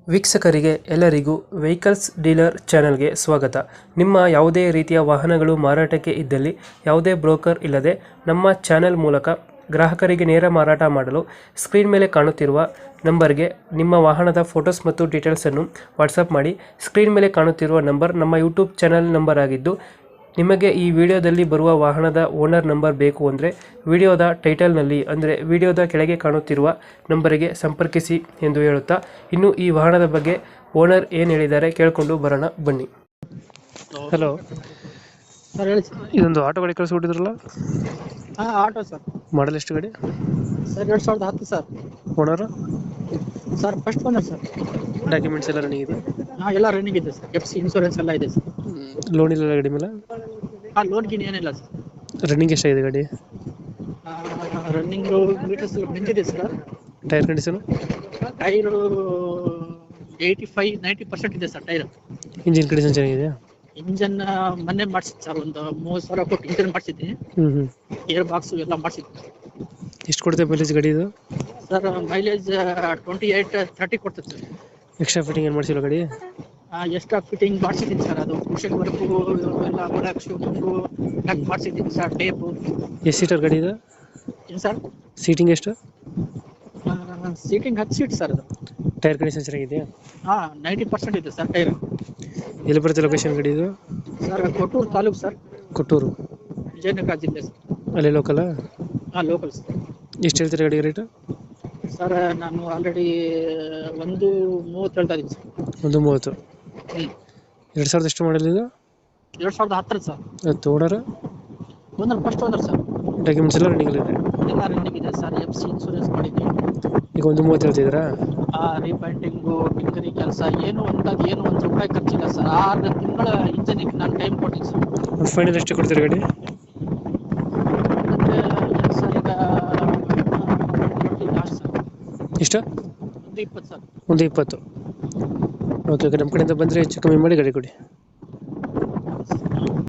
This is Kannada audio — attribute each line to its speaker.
Speaker 1: ವೀಕ್ಷಕರಿಗೆ ಎಲ್ಲರಿಗೂ ವೆಹಿಕಲ್ಸ್ ಡೀಲರ್ ಚಾನೆಲ್ಗೆ ಸ್ವಾಗತ. ನಿಮ್ಮ ಯಾವುದೇ ರೀತಿಯ ವಾಹನಗಳು ಮಾರಾಟಕ್ಕೆ ಇದ್ದಲ್ಲಿ ಯಾವುದೇ ಬ್ರೋಕರ್ ಇಲ್ಲದೆ ನಮ್ಮ ಚಾನೆಲ್ ಮೂಲಕ ಗ್ರಾಹಕರಿಗೆ ನೇರ ಮಾರಾಟ ಮಾಡಲು ಸ್ಕ್ರೀನ್ ಮೇಲೆ ಕಾಣುತ್ತಿರುವ ನಂಬರ್ಗೆ ನಿಮ್ಮ ವಾಹನದ ಫೋಟೋಸ್ ಮತ್ತು ಡೀಟೇಲ್ಸನ್ನು ವಾಟ್ಸಪ್ ಮಾಡಿ. ಸ್ಕ್ರೀನ್ ಮೇಲೆ ಕಾಣುತ್ತಿರುವ ನಂಬರ್ ನಮ್ಮ ಯೂಟ್ಯೂಬ್ ಚಾನೆಲ್ ನಂಬರ್ ಆಗಿದ್ದು, ನಿಮಗೆ ಈ ವಿಡಿಯೋದಲ್ಲಿ ಬರುವ ವಾಹನದ ಓನರ್ ನಂಬರ್ ಬೇಕು ಅಂದರೆ ವಿಡಿಯೋದ ಟೈಟಲ್ನಲ್ಲಿ ಅಂದರೆ ವಿಡಿಯೋದ ಕೆಳಗೆ ಕಾಣುತ್ತಿರುವ ನಂಬರಿಗೆ ಸಂಪರ್ಕಿಸಿ ಎಂದು ಹೇಳುತ್ತಾ, ಇನ್ನು ಈ ವಾಹನದ ಬಗ್ಗೆ ಓನರ್ ಏನು ಹೇಳಿದ್ದಾರೆ ಕೇಳಿಕೊಂಡು ಬರೋಣ ಬನ್ನಿ. ಹಲೋ
Speaker 2: ಸರ್ ಹೇಳಿ ಸರ್.
Speaker 1: ಇದೊಂದು ಆಟೋ ಗಾಡಿ ಕಳಿಸ್ಕೊಟ್ಟಿದ್ರಲ್ಲ,
Speaker 2: ಹಾಂ ಆಟೋ ಸರ್.
Speaker 1: ಮಾಡಲ್ ಎಷ್ಟು ಗಾಡಿ?
Speaker 2: Sir 2010 sir.
Speaker 1: Owner?
Speaker 2: Sir first owner sir.
Speaker 1: Documents ಎಲ್ಲ ರನ್ನಿಂಗ್ ಇದೆ?
Speaker 2: ಹಾಂ ಎಲ್ಲ ರನ್ನಿಂಗ್ ಇದೆ ಸರ್. FC ಇನ್ಶೂರೆನ್ಸ್ ಎಲ್ಲ ಇದೆ ಸರ್.
Speaker 1: ಲೋನ್ ಇಲ್ಲ ಗಾಡಿ ಮೇಲೆ?
Speaker 2: ಹಾಂ ಲೋನ್ ಗಿನ್ ಏನಿಲ್ಲ ಸರ್.
Speaker 1: ರನ್ನಿಂಗ್ ಎಷ್ಟಾಗಿದೆ ಗಾಡಿ?
Speaker 2: ರನ್ನಿಂಗು ಮೀಟರ್ಸ್ ನಿಂತಿದೆ ಸರ್.
Speaker 1: Tyre condition?
Speaker 2: ಟೈರು 85-90% ಇದೆ ಸರ್ ಟೈರ್.
Speaker 1: ಇಂಜಿನ್ ಕಂಡೀಷನ್ ಚೆನ್ನಾಗಿದೆಯಾ?
Speaker 2: ಇಂಜನ್ ಮೊನ್ನೆ ಮಾಡಿಸಿದ್ದು ಸರ್, ಒಂದು 30,000 ಕೊಟ್ಟು ಇಂಜನ್ ಮಾಡಿಸಿದ್ದೀನಿ. ಏರ್ ಬಾಕ್ಸು ಎಲ್ಲ ಮಾಡಿಸಿದ್ದೀನಿ.
Speaker 1: ಎಷ್ಟು ಕೊಡುತ್ತೆ ಮೈಲೇಜ್ ಗಾಡಿ ಇದು?
Speaker 2: ಸರ್ ಮೈಲೇಜ್ 28-30 ಕೊಡ್ತದೆ ಸರ್.
Speaker 1: ಎಕ್ಸ್ಟ್ರಾ ಫಿಟ್ಟಿಂಗ್ ಏನು ಮಾಡಿಸಿಲ್ಲ ಗಾಡಿ?
Speaker 2: ಎಕ್ಸ್ಟ್ರಾ ಫಿಟ್ಟಿಂಗ್ ಮಾಡಿಸಿದ್ದೀನಿ ಸರ್. ಅದು ಕುಷನ್ ವರ್ಕು ಎಲ್ಲ ಒಳಗೆ ಶೂಟಿಂಗು ಟಕ್ ಮಾಡಿಸಿದ್ದೀನಿ ಸರ್. ಟೇಪು.
Speaker 1: ಎಷ್ಟು ಸೀಟರ್ ಗಾಡಿ ಇದು?
Speaker 2: ಏನು ಸರ್?
Speaker 1: ಸೀಟಿಂಗ್ ಎಷ್ಟು?
Speaker 2: ಸೀಟಿಂಗ್ 10 ಸೀಟ್ ಸರ್ ಅದು.
Speaker 1: ಟೈರ್ ಕಂಡೀಷನ್ ಚೆನ್ನಾಗಿದೆಯಾ?
Speaker 2: ಹಾಂ 90% ಇದೆ ಸರ್ ಟೈರ್.
Speaker 1: ಎಲ್ಲಿ ಬರುತ್ತೆ ಲೊಕೇಶನ್ ಗಾಡಿ ಇದು?
Speaker 2: Sir Kottur taluk sir.
Speaker 1: ಕೊಟ್ಟೂರು,
Speaker 2: ವಿಜಯನಗರ ಜಿಲ್ಲೆ ಸರ್.
Speaker 1: ಅಲ್ಲೇ ಲೋಕಲಾ?
Speaker 2: ಹಾಂ ಲೋಕಲ್ ಸರ್.
Speaker 1: ಎಷ್ಟು ಹೇಳ್ತೀರಾ ಗಾಡಿ ರೇಟು?
Speaker 2: ಸರ್ ನಾನು ಆಲ್ರೆಡಿ 1.30 ಹೇಳ್ತಾ ಇದ್ದೀನಿ ಸರ್.
Speaker 1: 1.30. 2000 ಎಷ್ಟು ಮಾಡಲ್ ಇದು?
Speaker 2: 2010 ಸರ್.
Speaker 1: ಅದು owner?
Speaker 2: Owner first owner sir.
Speaker 1: Documents ಎಲ್ಲ ರನ್ನಿಂಗ್ ಇದೆ?
Speaker 2: ಎಲ್ಲ ರನ್ನಿಂಗ್ ಇದೆ ಸರ್. FC ಇನ್ಶೂರೆನ್ಸ್ ಮಾಡಿದ್ದೀನಿ.
Speaker 1: ಈಗ 1.30 ಹೇಳ್ತಿದ್ದೀರಾ?
Speaker 2: ರೀಪೈಂಟಿಂಗು ಟಿಂಕರಿಂಗ್ ಕೆಲಸ ಏನು ಒಂದು ರೂಪಾಯಿ ಖರ್ಚಿಲ್ಲ ಸರ್. 6 ತಿಂಗಳ ಇಂಜನಿಗೆ ನಾನು ಟೈಮ್ ಕೊಟ್ಟಿದ್ದೀನಿ ಸರ್.
Speaker 1: ಒಂದು ಫೈನಲ್ ಎಷ್ಟು ಕೊಡ್ತೀರಾ ಗಾಡಿ?
Speaker 2: ಮತ್ತು ಸರ್ ಈಗ 20 ಲಾಸ್ಟ್ ಸರ್.
Speaker 1: ಎಷ್ಟು?
Speaker 2: 120 ಸರ್.
Speaker 1: 1.20. ಓಕೆ, ನಮ್ಮ ಕಡೆಯಿಂದ ಬಂದರೆ ಹೆಚ್ಚು ಕಮ್ಮಿ ಮಾಡಿ ಗಾಡಿ ಕೊಡಿ.